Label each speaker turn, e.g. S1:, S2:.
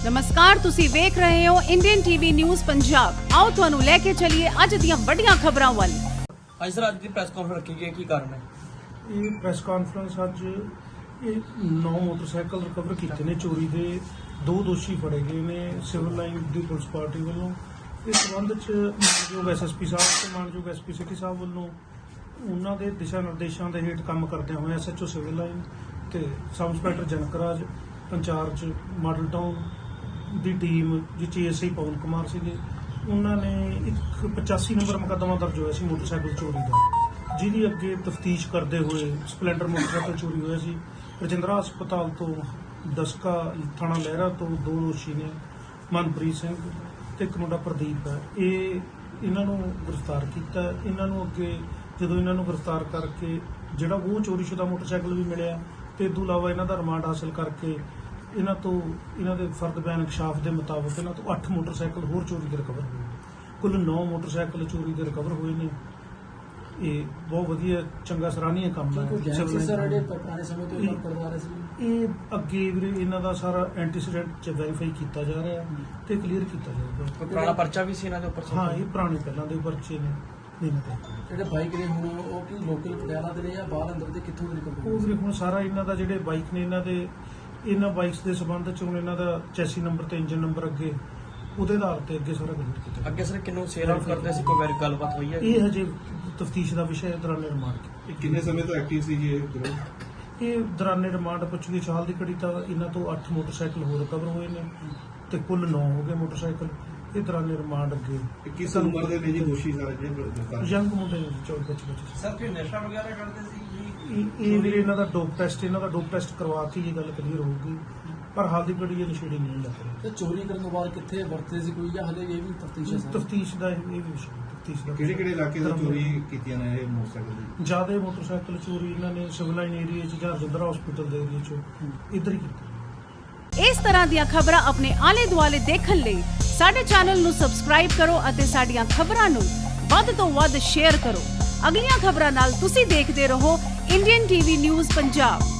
S1: नमस्कार, तुसी वेख रहे हो इंडियन टीवी न्यूज़ पंजाब। आओ तुहानू लेके चलिए अज दीयां वड्डियां खबरां वाल।
S2: ਅੱਜ ਸਰ ਅੱਜ ਦੀ ਪ੍ਰੈਸ ਕਾਨਫਰੰਸ ਰੱਖੀ ਗਈ, ਕੀ ਕਾਰਨ ਹੈ?
S3: ਇਹ ਪ੍ਰੈਸ ਕਾਨਫਰੰਸ ਅੱਜ ਇਹ 9 ਮੋਟਰਸਾਈਕਲ ਰਿਕਵਰ ਕੀਤੇ ਨੇ ਚੋਰੀ ਦੇ। 2 ਦੋਸ਼ੀ ਫੜੇ ਗਏ ਨੇ ਸਿਵਲ ਲਾਈਨ ਦੀ ਪੁਲਿਸ ਪਾਰਟੀ ਵੱਲੋਂ। ਇਸ ਸੰਬੰਧ ਚ ਮਾਨਯੋਗ ਐਸਐਸਪੀ ਸਾਹਿਬ ਤੇ ਮਾਨਯੋਗ ਐਸਪੀ ਸਿਟੀ ਸਾਹਿਬ ਵੱਲੋਂ ਉਹਨਾਂ ਦੇ ਦਿਸ਼ਾ ਨਿਰਦੇਸ਼ਾਂ ਦੇ ਹੇਠ ਕੰਮ ਕਰਦਿਆਂ ਹੋਏ ਐਸਐਚਓ ਸਿਵਲ ਲਾਈਨ ਤੇ sub inspector Janakraj incharge model town ਦੀ ਟੀਮ ਜਿਸ ਏਐਸਆਈ ਪਵਨ ਕੁਮਾਰ ਸੀਗੇ, ਉਹਨਾਂ ਨੇ ਇੱਕ 85 ਨੰਬਰ ਮੁਕੱਦਮਾ ਦਰਜ ਹੋਇਆ ਸੀ ਮੋਟਰਸਾਈਕਲ ਚੋਰੀ ਦਾ, ਜਿਹਦੀ ਅੱਗੇ ਤਫਤੀਸ਼ ਕਰਦੇ ਹੋਏ ਸਪਲੈਂਡਰ ਮੋਟਰਸਾਈਕਲ ਚੋਰੀ ਹੋਇਆ ਸੀ। ਰਜਿੰਦਰਾ ਹਸਪਤਾਲ ਤੋਂ ਦਸਕਾ ਥਾਣਾ ਲਹਿਰਾ ਤੋਂ 2 ਦੋਸ਼ੀ ਨੇ, ਮਨਪ੍ਰੀਤ ਸਿੰਘ ਤੇ ਇੱਕ ਮੁੰਡਾ ਪ੍ਰਦੀਪ ਹੈ। ਇਹਨਾਂ ਨੂੰ ਗ੍ਰਿਫਤਾਰ ਕੀਤਾ। ਇਹਨਾਂ ਨੂੰ ਅੱਗੇ ਜਦੋਂ ਇਹਨਾਂ ਨੂੰ ਗ੍ਰਿਫਤਾਰ ਕਰਕੇ ਜਿਹੜਾ ਉਹ ਚੋਰੀਸ਼ੁਦਾ ਮੋਟਰਸਾਈਕਲ ਵੀ ਮਿਲਿਆ ਤੇ ਇਸ ਤੋਂ ਇਲਾਵਾ ਇਹਨਾਂ ਦਾ ਰਿਮਾਂਡ ਹਾਸਲ ਕਰਕੇ ਇਹਨਾਂ ਦੇ ਫਰਦ ਬਿਆਨ ਇਨਕਸ਼ਾਫ ਦੇ ਮੁਤਾਬਕ ਇਹਨਾਂ ਤੋਂ 8 ਮੋਟਰਸਾਈਕਲ ਹੋਰ ਚੋਰੀ ਦੇ ਰਿਕਵਰ ਹੋਏ। ਕੁੱਲ 9 ਮੋਟਰਸਾਈਕਲ ਚੋਰੀ ਦੇ ਰਿਕਵਰ ਹੋਏ ਨੇ। ਇਹ ਬਹੁਤ ਵਧੀਆ ਚੰਗਾ ਸਰਾਹਨੀय ਕੰਮ ਹੈ। ਇਹ ਅੱਗੇ ਵੀਰੇ ਇਹਨਾਂ ਦਾ ਸਾਰਾ ਐਂਟੀਸੀਡੈਂਟ ਚ ਵੈਰੀਫਾਈ ਕੀਤਾ ਜਾ ਰਿਹਾ ਤੇ ਕਲੀਅਰ ਕੀਤਾ ਜਾਊਗਾ।
S2: ਕੋਈ ਪੁਰਾਣਾ ਪਰਚਾ ਵੀ ਸੀ ਇਹਨਾਂ ਦੇ ਉੱਪਰ?
S3: ਹਾਂ, ਇਹ ਪੁਰਾਣੇ ਪਹਿਲਾਂ ਦੇ ਪਰਚੇ ਨੇ।
S4: ਜਿਹੜੇ ਬਾਈਕ ਨੇ ਹੁਣ ਉਹ ਕੀ ਲੋਕਲ ਪਟਿਆਲਾ ਦੇ ਨੇ ਜਾਂ ਬਾਹਰ ਅੰਦਰ ਦੇ ਕਿੱਥੋਂ ਦੇ
S3: ਉਹ ਵੀਰੇ ਹੁਣ ਸਾਰਾ ਇਹਨਾਂ ਦਾ ਜਿਹੜੇ ਬਾਈਕ ਨੇ ਇਹਨਾਂ ਬਾਈਕਸ ਦੇ ਸੰਬੰਧ ਚ ਹੁਣ ਇਹਨਾਂ ਦਾ ਚੈਸੀ ਨੰਬਰ ਤੇ ਇੰਜਨ ਨੰਬਰ ਅੱਗੇ ਉਹਦੇ ਆਧਾਰ ਤੇ ਅੱਗੇ ਸਾਰਾ ਕਲੀਅਰ ਕੀਤਾ।
S2: ਅੱਗੇ ਸਰ ਕਿੰਨੂੰ ਸੇਲ ਆਊਟ ਕਰਦੇ ਸੀ, ਕੋਈ ਗੱਲਬਾਤ ਹੋਈ ਹੈ?
S3: ਇਹ ਹਜੇ ਤਫਤੀਸ਼ ਦਾ ਵਿਸ਼ਾ ਹੈ। ਦੌਰਾਨੇ ਰਿਮਾਂਡ
S5: ਕਿੰਨੇ ਸਮੇਂ ਤੋਂ ਐਕਟਿਵ ਸੀ ਜੀ ਇਹ
S3: ਦੌਰਾਨੇ ਰਿਮਾਂਡ ਪੁੱਛਗਿੱਛ ਹਾਲ ਦੀ ਘੜੀ ਤਾਂ ਇਹਨਾਂ ਤੋਂ 8 ਮੋਟਰਸਾਈਕਲ ਹੋਰ ਰਿਕਵਰ ਹੋਏ ਨੇ ਤੇ ਕੁੱਲ 9 ਹੋ ਗਏ ਮੋਟਰਸਾਈਕਲ। ਇਹ ਦੌਰਾਨੇ ਰਿਮਾਂਡ ਅੱਗੇ
S5: 21 ਉਮਰ ਦੇ ਨੇ ਜੀ ਦੋਸ਼ੀ ਸਾਰੇ ਜਿਹੜੇ
S3: ਯੰਗ ਮੁੰਡੇ ਨੇ 24-25।
S2: ਸਰ ਕੋਈ ਨਸ਼ਾ ਵਗੈਰਾ ਕਰਦੇ ਸੀ ਜੀ?
S3: ਇਹ ਵੀਰੇ ਇਹਨਾਂ ਦਾ ਡੋਪ ਟੈਸਟ ਕਰਵਾ ਕੇ ਇਹ ਗੱਲ ਕਲੀਅਰ ਹੋਊਗੀ, ਪਰ ਹਾਲ ਦੀ ਘੜੀ ਇਹ ਨਸ਼ੇੜੀ ਨਹੀਂ ਲੱਗ ਰਿਹਾ।
S4: ਤੇ ਚੋਰੀ ਕਰਨ ਤੋਂ ਬਾਅਦ ਕਿੱਥੇ ਵਰਤੇ ਸੀ ਕੋਈ ਜਾਂ ਹਲੇ ਇਹ ਵੀ ਤਫਤੀਸ਼ ਹੈ?
S3: ਤਫਤੀਸ਼ ਦਾ ਇਹ ਵੀ ਵਿਸ਼ਾ ਤਫਤੀਸ਼ ਦਾ।
S5: ਕਿਹੜੇ ਇਲਾਕੇ ਤੋਂ ਚੋਰੀ ਕੀਤੀਆਂ ਨੇ ਇਹ ਮੋਟਰਸਾਈਕਲ ਦੀ?
S3: ਜ਼ਿਆਦਾ ਮੋਟਰਸਾਈਕਲ ਚੋਰੀ ਇਹਨਾਂ ਨੇ ਸਿਵਲ ਲਾਈਨ ਏਰੀਆ 'ਚ ਜਾਂ ਰਜਿੰਦਰਾ ਹਸਪੀਟਲ ਦੇ ਏਰੀਆ 'ਚ ਇੱਧਰ ਹੀ ਕੀਤੀ।
S1: इस तरह ਦੀਆਂ ਖਬਰਾਂ ਆਪਣੇ ਆਲੇ ਦੁਆਲੇ ਦੇਖਣ ਲਈ ਸਾਡੇ ਚੈਨਲ ਨੂੰ ਸਬਸਕ੍ਰਾਈਬ ਕਰੋ ਅਤੇ ਸਾਡੀਆਂ ਖਬਰਾਂ ਨੂੰ ਵੱਧ ਤੋਂ ਵੱਧ ਸ਼ੇਅਰ ਕਰੋ। ਅਗਲੀਆਂ ਖਬਰਾਂ ਨਾਲ ਤੁਸੀਂ ਦੇਖਦੇ ਰਹੋ ਇੰਡੀਅਨ ਟੀਵੀ ਨਿਊਜ਼ ਪੰਜਾਬ।